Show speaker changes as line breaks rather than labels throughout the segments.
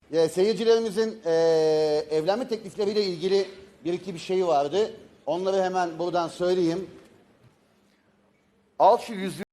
Seyircilerimizin evlenme teklifleriyle ilgili bir iki bir şey vardı. Onları hemen buradan söyleyeyim. Al şu yüzüğü.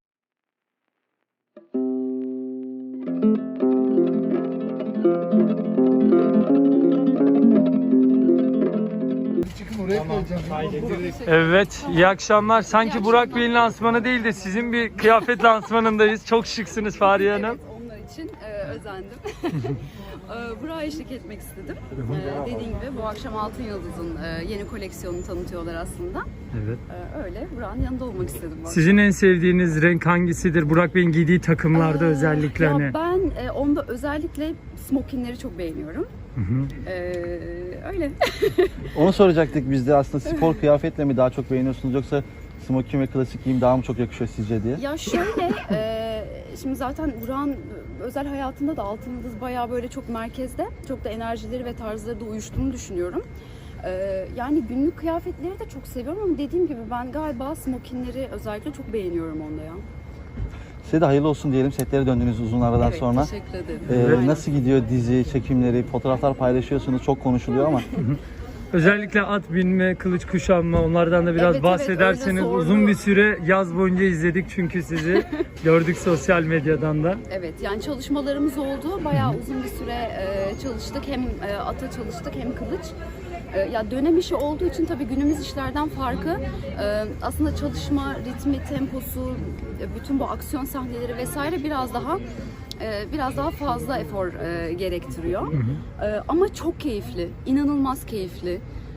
Evet, iyi akşamlar. Sanki Burak Bey'in lansmanı değil de sizin bir kıyafet lansmanındayız. Çok şıksınız Fahriye Hanım.
Evet, onlar için özendim. Buraya eşlik etmek istedim. Dediğim gibi bu akşam Altın Yıldız'ın yeni koleksiyonunu tanıtıyorlar aslında.
Evet.
Öyle, Burak'ın yanında olmak istedim.
Sizin en sevdiğiniz renk hangisidir? Burak Bey'in giydiği takımlarda özellikle
ya
hani.
Ben onda özellikle smokinleri çok beğeniyorum. Öyle.
Onu soracaktık biz de, aslında spor kıyafetle mi daha çok beğeniyorsunuz yoksa smokin ve klasik giyim daha mı çok yakışıyor sizce diye?
Ya şöyle, şimdi zaten Burak'ın özel hayatında da Altın Yıldız bayağı böyle çok merkezde. Çok da enerjileri ve tarzları da uyuştuğunu düşünüyorum. Yani günlük kıyafetleri de çok seviyorum ama dediğim gibi ben galiba smokinleri özellikle çok beğeniyorum onda ya.
Size de hayırlı olsun diyelim, setlere döndüğünüz uzun aradan
Evet,
sonra.
teşekkür ederim.
Nasıl gidiyor dizi çekimleri, fotoğraflar paylaşıyorsunuz, çok konuşuluyor ama.
Özellikle at binme, kılıç kuşanma, onlardan da biraz
Evet,
bahsederseniz.
öyle
Uzun
sordu.
bir süre yaz boyunca izledik çünkü sizi. Gördük sosyal medyadan da.
Evet, yani çalışmalarımız oldu. Bayağı uzun bir süre çalıştık. Hem ata çalıştık hem kılıç. Ya dönem işi olduğu için tabii günümüz işlerden farkı aslında çalışma ritmi, temposu, bütün bu aksiyon sahneleri vesaire biraz daha fazla efor gerektiriyor. Ama çok keyifli, inanılmaz keyifli.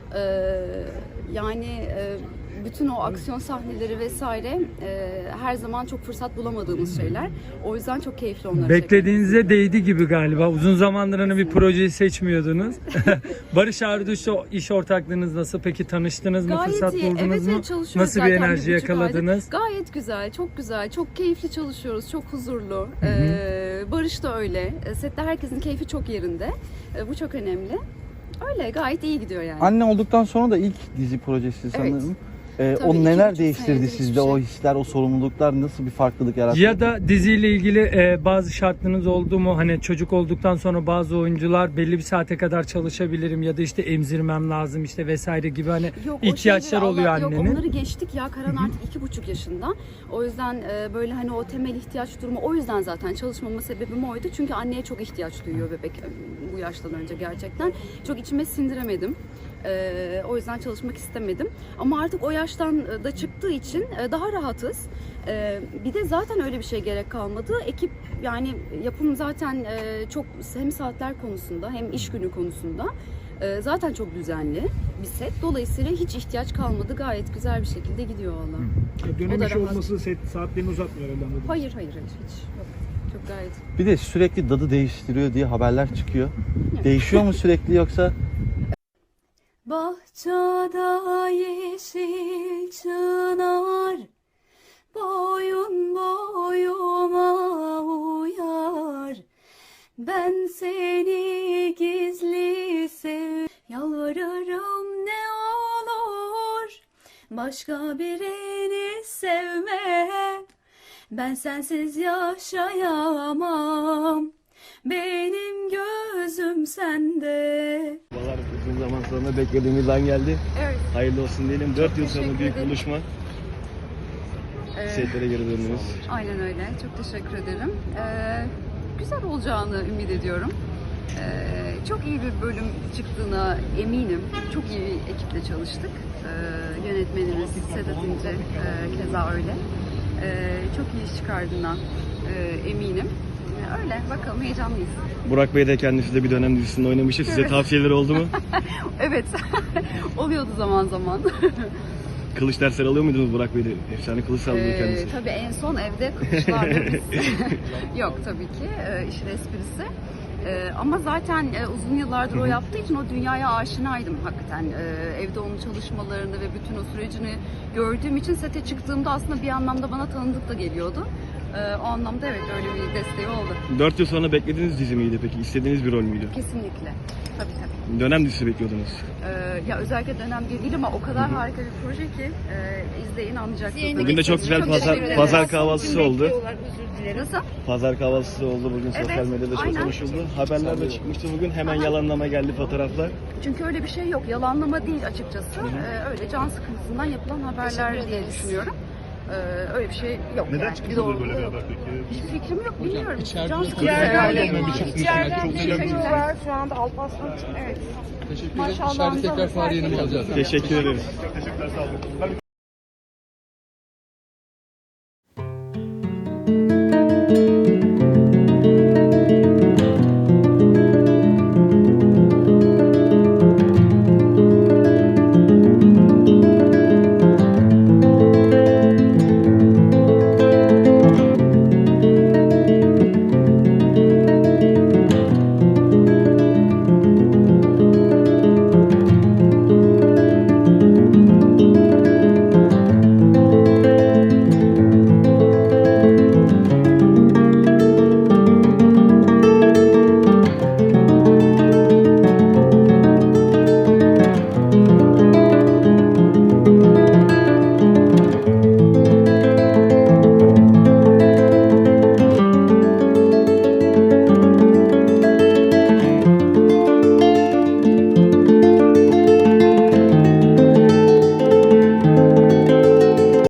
Yani bütün o aksiyon sahneleri vesaire her zaman çok fırsat bulamadığımız şeyler. O yüzden çok keyifli onları
Beklediğinize değdi gibi galiba. Uzun zamandır hani bir projeyi seçmiyordunuz. Barış Arduç'la iş ortaklığınız nasıl? Peki tanıştınız mı?
Gayet
Fırsat
iyi.
buldunuz
Evet,
mu?
çalışıyoruz
Nasıl bir
zaten
enerji
1,5 aydır.
yakaladınız?
Gayet güzel, çok güzel. Çok keyifli çalışıyoruz, çok huzurlu. Barış da öyle. Sette herkesin keyfi çok yerinde. Bu çok önemli. Öyle, gayet iyi gidiyor yani.
Anne olduktan sonra da ilk dizi projesi sanırım.
Tabii,
O neler
2,5
değiştirdi
senedir
sizde,
hiçbir
o
şey.
hisler, o sorumluluklar nasıl bir farklılık yarattı?
Ya da diziyle ilgili bazı şartlarınız oldu mu? Hani çocuk olduktan sonra bazı oyuncular belli bir saate kadar çalışabilirim ya da işte emzirmem lazım işte vesaire gibi hani
Yok, o
ihtiyaçlar
şeyleri
oluyor
Yok,
annenin.
onları geçtik ya. Karan artık 2,5 yaşında. O yüzden böyle hani o temel ihtiyaç durumu, o yüzden zaten çalışmama sebebim oydu. Çünkü anneye çok ihtiyaç duyuyor bebek bu yaştan önce gerçekten. Çok içime sindiremedim. O yüzden çalışmak istemedim. Ama artık o yaştan da çıktığı için daha rahatız. Bir de zaten öyle bir şey gerek kalmadı. Ekip, yani yapım zaten çok hem saatler konusunda hem iş günü konusunda zaten çok düzenli bir set. Dolayısıyla hiç ihtiyaç kalmadı. Gayet güzel bir şekilde gidiyor valla.
Dönem
O da
işi
rahat.
olması saatlerini uzatmıyor herhalde, anladım.
Hayır hiç yok. Çok gayet.
Bir de sürekli dadı değiştiriyor diye haberler çıkıyor. Değişiyor mu sürekli yoksa?
Bahçada yeşil çınar, boyun boyuma uyar. Ben seni gizli sev, yalvarırım ne olur, başka birini sevme. Ben sensiz yaşayamam, benim gözüm sende.
Babalar, uzun zaman sonra beklediğimiz an geldi.
Evet.
Hayırlı olsun diyelim. 4 yıl sonra
teşekkür
büyük
ederim.
buluşma. Setlere geri döndünüz.
Aynen öyle. Çok teşekkür ederim. Güzel olacağını ümit ediyorum. Çok iyi bir bölüm çıktığına eminim. Çok iyi bir ekiple çalıştık. Yönetmenimiz Sedat İnce keza öyle. Çok iyi iş çıkardığına eminim. Öyle. Bakalım, heyecanlıyız.
Burak Bey de kendisi de bir dönem dizisinde oynamıştı. Size
Evet.
tavsiyeleri oldu mu?
Evet. Oluyordu zaman zaman.
Kılıç dersleri alıyor muydunuz Burak Bey'de? Efsane kılıç sallıyor kendisi.
Tabii en son evde kılıçlarla biz. Yok tabii ki. İşin esprisi. Ama zaten uzun yıllardır o yaptığı için o dünyaya aşinaydım hakikaten. Evde onun çalışmalarını ve bütün o sürecini gördüğüm için sete çıktığımda aslında bir anlamda bana tanıdık da geliyordu. O anlamda evet öyle bir desteği oldu.
4 yıl sonra beklediğiniz dizi miydi peki? İstediğiniz bir rol müydü?
Kesinlikle. Tabii.
Dönem dizisi bekliyordunuz.
Ya özellikle dönem değil ama o kadar harika bir proje ki izleyin anlayacaksınız.
Bugün de çok güzel
teşekkür ederim.
pazar kahvaltısı oldu.
Nasıl?
Pazar kahvaltısı oldu bugün, sosyal
Evet,
medyada çok
aynen.
konuşuldu. Haberler de çıkmıştı bugün, hemen yalanlama geldi fotoğraflar.
Çünkü öyle bir şey yok. Yalanlama değil açıkçası. Öyle can sıkıntısından yapılan haberler diye düşünüyorum. Öyle bir şey yok. Neden çıktı böyle bir haber peki? Hiçbir fikrim yok, bilmiyorum. Can sıkıntısı herhalde. İçeriden bir şey var. Şu anda Alparslan için. Evet.
Teşekkür ederim. İçeride tekrar fare yayını alacağız.
Teşekkür ederiz.